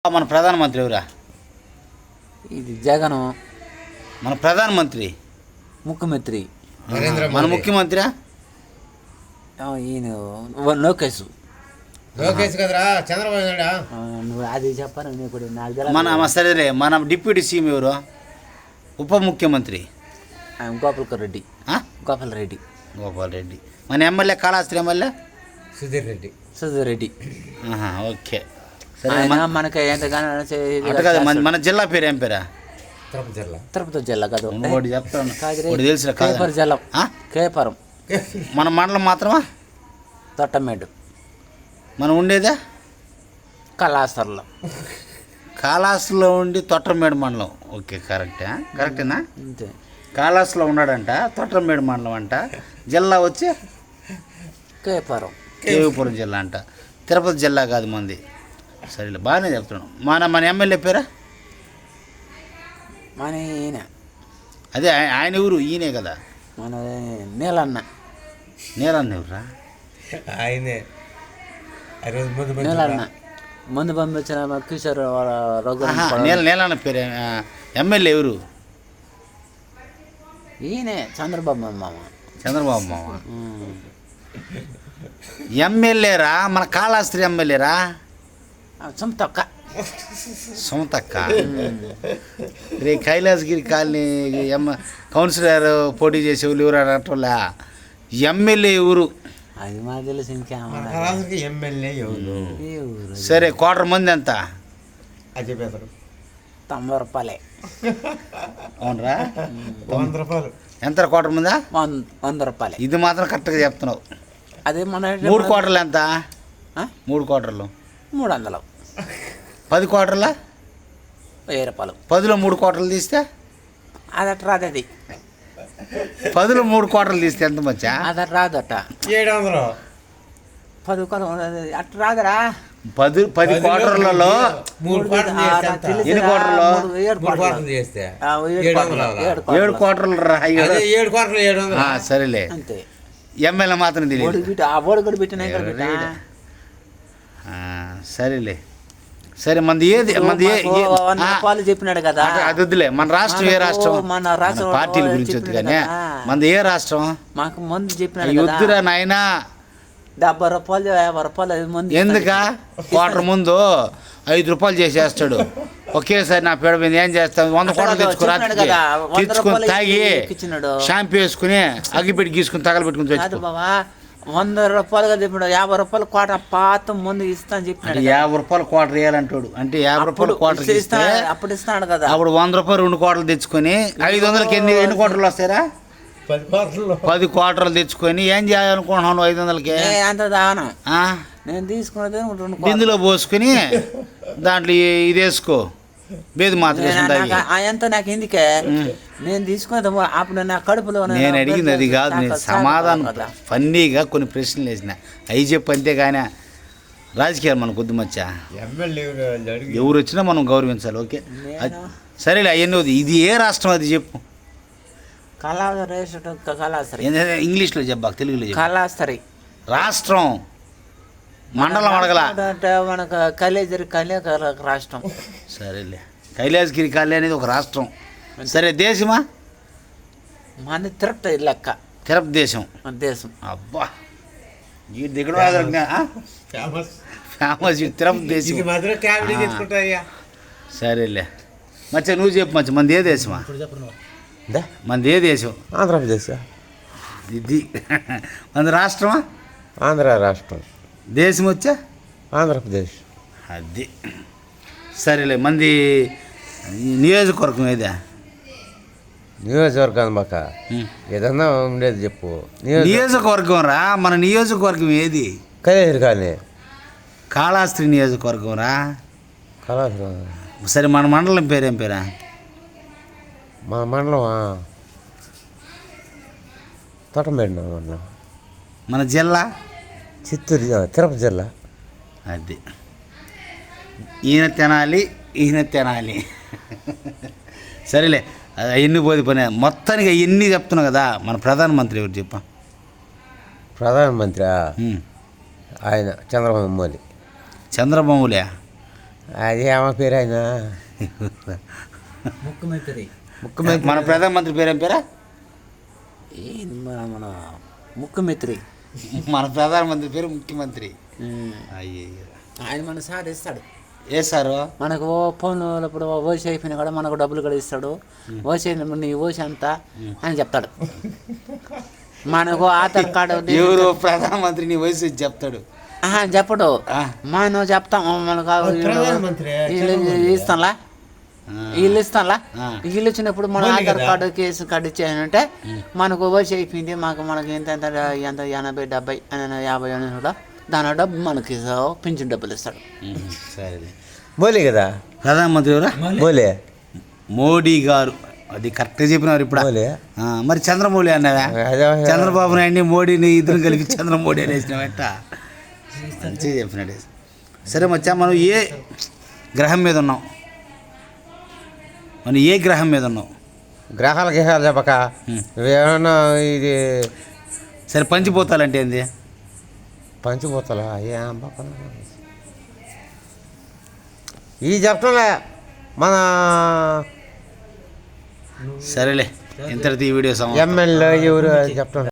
మన ప్రధానమంత్రి ఎవరా? ఇది జగన్. మన ప్రధానమంత్రి ముఖ్యమంత్రి మన ముఖ్యమంత్రి ఈయన లోకేష్. లోకేష్ కదరా చంద్రబాబు నాయుడు. నువ్వు అది చెప్పాను ఇప్పుడు మన సరేలే. మన డిప్యూటీ సీఎం ఎవరు? ఉప ముఖ్యమంత్రి గోపాల్ రెడ్డి. గోపాల్ రెడ్డి. గోపాల్ రెడ్డి. మన MLA Kalahasti MLA Sudheer Reddy. Sudheer Reddy. Okay సరే. మనకి ఎంతగానో మన జిల్లా పేరు ఏం పేరా? తిరుపతి జిల్లా. తిరుపతి జిల్లా కాదు, చెప్తాను తెలుసు. కేపర్ జిల్లా. కేపరం. మన మండలం మాత్రమా? తొట్టమేడు. మనం ఉండేదా కళాసర్లో. కాళహస్తిలో ఉండి తొట్టమేడు మండలం. ఓకే, కరెక్టేనా? అంతే. కాళహస్తిలో ఉన్నాడంట, తొట్టమేడు మండలం అంట. జిల్లా వచ్చి కేపురం. కేవీపురం జిల్లా అంట. తిరుపతి జిల్లా కాదు మంది. సరేలే, బాగానే చెప్తున్నాం. మన ఎమ్మెల్యే పేరా? మన ఈయన. అదే ఆయన ఊరు ఈయనే కదా. మన నీలన్న. నీలన్న ఎవరా? ఆయనే నీలన్న ముందు పంపించిన కిషోర్ రఘు. నీలన్న పేరు. ఎమ్మెల్యే ఎవరు? ఈయనే చంద్రబాబు మామ. చంద్రబాబు మామ. ఎమ్మెల్యేరా? మన కాళహస్తి ఎమ్మెల్యేరా? సొంతక్క. సొంతక్క. రే కైలాసగిరి కాలనీ కౌన్సిలర్ పోటీ చేసే వాళ్ళు ఎవరు అనటంలా? ఎమ్మెల్యే ఊరు అది మాకు తెలుసు. ఎమ్మెల్యే ఎవరు? సరే, కోటర్ మంది ఎంత? అది చెప్పేశారు. 90 రూపాయలే. అవునరా? 100 రూపాయలు. ఎంత కోటర్ మందా? 100 రూపాయలే. ఇది మాత్రం కరెక్ట్గా చెప్తున్నావు. అదే మన 3 కోటర్లు ఎంత? 3 కోటర్లు 300. 10 కోటర్ల 1000 రూపాయలు. 10లో 3 కోటర్లు తీస్తే అదట రాదు. అది 10లో 3 కోటర్లు తీస్తే ఎంత మచ్చా? అదట రాదట. 700. 10 అట్ట రాదరా. 10 కోటర్లలో 3 కోటర్లు ఎన్ని కోటర్లు? 3 కోటర్లు చేస్తే 7 కోటర్లు రా. 7 కోటర్లు 700. సరేలే. అంతే. ఎమ్మెల్యే మాత్రం తెలియదు. ఓడి పెట్టిన సరేలే. సరే, మంది ఏది? రూపాయలు చెప్పినాడు కదా. అది వద్దులే. మన రాష్ట్రం ఏ రాష్ట్రం? మన రాష్ట్రం పార్టీల గురించి వద్దు కానీ మనది ఏ రాష్ట్రం? మాకు ముందు చెప్పినాడు. వద్దురా నాయనా. 70 రూపాయలు 50 రూపాయలు ముందు. ఎందుక? క్వార్టర్ ముందు 5 రూపాయలు చేసేస్తాడు. ఒకేసారి నా పేడ మీద ఏం చేస్తాను? 100 కోట్లు తెచ్చుకుని తాగి షాంపూ వేసుకుని అగ్గిపెట్టి గీసుకుని తగలబెట్టుకుని తెచ్చు. బాబా 100 రూపాయలుగా చెప్పాడు. 50 రూపాయలు కోట పాత ముందు ఇస్తాను చెప్పినాడు. 50 రూపాయలు క్వార్టర్ వేయాలంటాడు. అంటే 50 రూపాయలు క్వార్టర్ ఇస్తే అప్పుడు ఇస్తాడు కదా. అప్పుడు 100 రూపాయలు 2 కోటలు తెచ్చుకొని 500కి ఎన్ని కోటలు వస్తారా? 10 కోటలు తెచ్చుకొని ఏం చేయాలనుకుంటున్నాను? 500కి అంత దానం నేను తీసుకున్నది 2 బిందులో పోసుకుని దాంట్లో ఇది వేసుకో, బేది మాత్రం ఎంత నాకు ఎందుకే నేను తీసుకున్నది. అప్పుడు నా కడుపులో నేను అడిగింది అది కాదు. నేను సమాధానం ఫన్నీగా కొన్ని ప్రశ్నలు వేసిన అవి చెప్పు, అంతేగాని రాజకీయాలు మనకు కొద్ది మచ్చా. ఎవరు వచ్చినా మనం గౌరవించాలి. ఓకే, సరేలే. అవన్నీ ఇది ఏ రాష్ట్రం అది చెప్పు. కళాస్తరి. ఇంగ్లీష్లో చెప్పాక తెలుగులో చెప్పు. కళాస్తరి రాష్ట్రం. మండలం అడగల. మనకు కైలాసగిరి రాష్ట్రం. సరేలే, కైలాసగిరి కాలనీ అనేది ఒక రాష్ట్రం. సరే, దేశమా? మన తిరుపతి లెక్క. తిరుపతి దేశం. దేశం. అబ్బా, ఈ దిగుడు ఫేమస్ తిరుపతి దేశం. సరేలే మచ్చా, నువ్వు చెప్పు మచ్చా. మనది ఏ దేశమా? మనది ఏ దేశం? ఆంధ్రప్రదేశ్. ఇది మనది రాష్ట్రమా? ఆంధ్ర రాష్ట్రం. దేశం వచ్చా? ఆంధ్రప్రదేశ్. అది సరేలే. మంది నియోజకవర్గం ఏదా? నియోజకవర్గం మాక ఏదన్నా ఉండేది చెప్పు. నియోజకవర్గం రా. మన నియోజకవర్గం ఏది? కైలాసగిరి కానీ కాళహస్తి నియోజకవర్గం రా. కళాశాల. సరే, మన మండలం పేరేం పేరా? మా మండలం తోటమేడు మండలం. మన జిల్లా? చిత్తూరు, తిరుపతి జిల్లా. అది ఈయన తినాలి. సరేలే, అవన్నీ పోది పని. మొత్తానికి అవన్నీ చెప్తున్నావు కదా. మన ప్రధానమంత్రి ఎవరు చెప్ప? ప్రధానమంత్రి ఆయన చంద్రబాబు మోదీ. చంద్రబాబులే. అది ఏమో పేరు ఆయన ముఖ్యమంత్రి ముఖ్యమంత్రి మన ప్రధానమంత్రి పేరేం పేరా? మన ముఖ్యమంత్రి మన ప్రధానమంత్రి పేరు ముఖ్యమంత్రి. అయ్యో ఆయన మన సార్ ఇస్తాడు. ఏ సారు? మనకు ఫోన్ ఇప్పుడు ఓసి అయిపోయినా కూడా మనకు డబ్బులు కూడా ఇస్తాడు. ఓసి అయినప్పుడు నీ ఓసి అంత అని చెప్తాడు. మనకు ఆధార్ కార్డు ఎవరు ప్రధానమంత్రి నీ వయసు చెప్తాడు? చెప్పడు, మనం చెప్తాం. మనకు ఇస్తాంలా, వీళ్ళు ఇస్తాంలా. వీళ్ళు ఇచ్చినప్పుడు మన ఆధార్ కార్డు కేసు కార్డు ఇచ్చానంటే మనకు ఓసి అయిపోయింది, మనకి ఎంత ఎంత 80, 70, 50 అని కూడా దాని డబ్బు మనకి పింఛన్ డబ్బులు ఇస్తాడు. సరే, మోలీ కదా ప్రధానమంత్రి ఎవరా? మోలీ, మోడీ గారు. అది కరెక్ట్గా చెప్పినారు ఇప్పుడు. మోలీ మరి చంద్రమౌళి అన్నావా? చంద్రబాబు నాయుడిని మోడీని ఇద్దరు కలిపి చంద్రమౌళి అని వేసినావట. మంచిగా చెప్పినాడు. సరే మచ్చా, మనం ఏ గ్రహం మీద ఉన్నాం? మనం ఏ గ్రహం మీద ఉన్నాం? గ్రహాలు గిహాలు చెప్పక ఏమన్నా ఇది సరే, పంచిపోతాలంటే ఏంది? పంచిపోతలా ఏం ఈ చెప్పలే మన సరేలే, ఇంతటితో ఈ వీడియో ఎమ్మెల్యే ఎవరు చెప్పడం